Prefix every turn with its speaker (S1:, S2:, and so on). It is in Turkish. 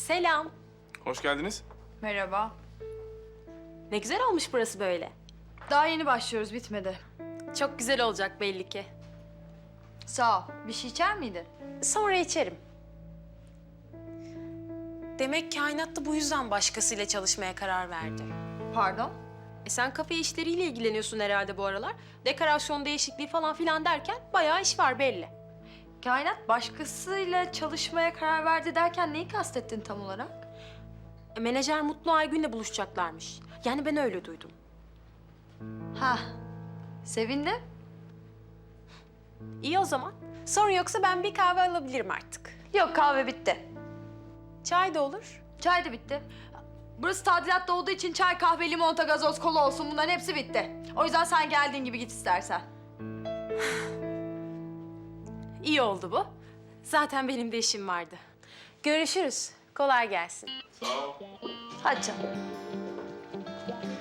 S1: Selam.
S2: Hoş geldiniz.
S3: Merhaba.
S1: Ne güzel olmuş burası böyle.
S3: Daha yeni başlıyoruz, bitmedi.
S1: Çok güzel olacak belli ki.
S3: Sağ ol. Bir şey içer miydin?
S1: Sonra içerim. Demek kainat da bu yüzden başkasıyla çalışmaya karar verdi.
S3: Pardon?
S1: Sen kafe işleriyle ilgileniyorsun herhalde bu aralar. Dekorasyon değişikliği falan filan derken bayağı iş var belli.
S3: Kainat başkasıyla çalışmaya karar verdi derken neyi kastettin tam olarak?
S1: Menajer Mutlu Aygün'le buluşacaklarmış. Yani ben öyle duydum.
S3: Ha, sevindim.
S1: İyi o zaman. Sorun yoksa ben bir kahve alabilirim artık.
S3: Yok, kahve bitti.
S1: Çay da olur.
S3: Çay da bitti. Burası tadilatta olduğu için çay, kahve, limonata, gazoz, kola olsun, bunların hepsi bitti. O yüzden sen geldiğin gibi git istersen.
S1: İyi oldu bu. Zaten benim de işim vardı. Görüşürüz. Kolay gelsin.
S3: Hadi canım.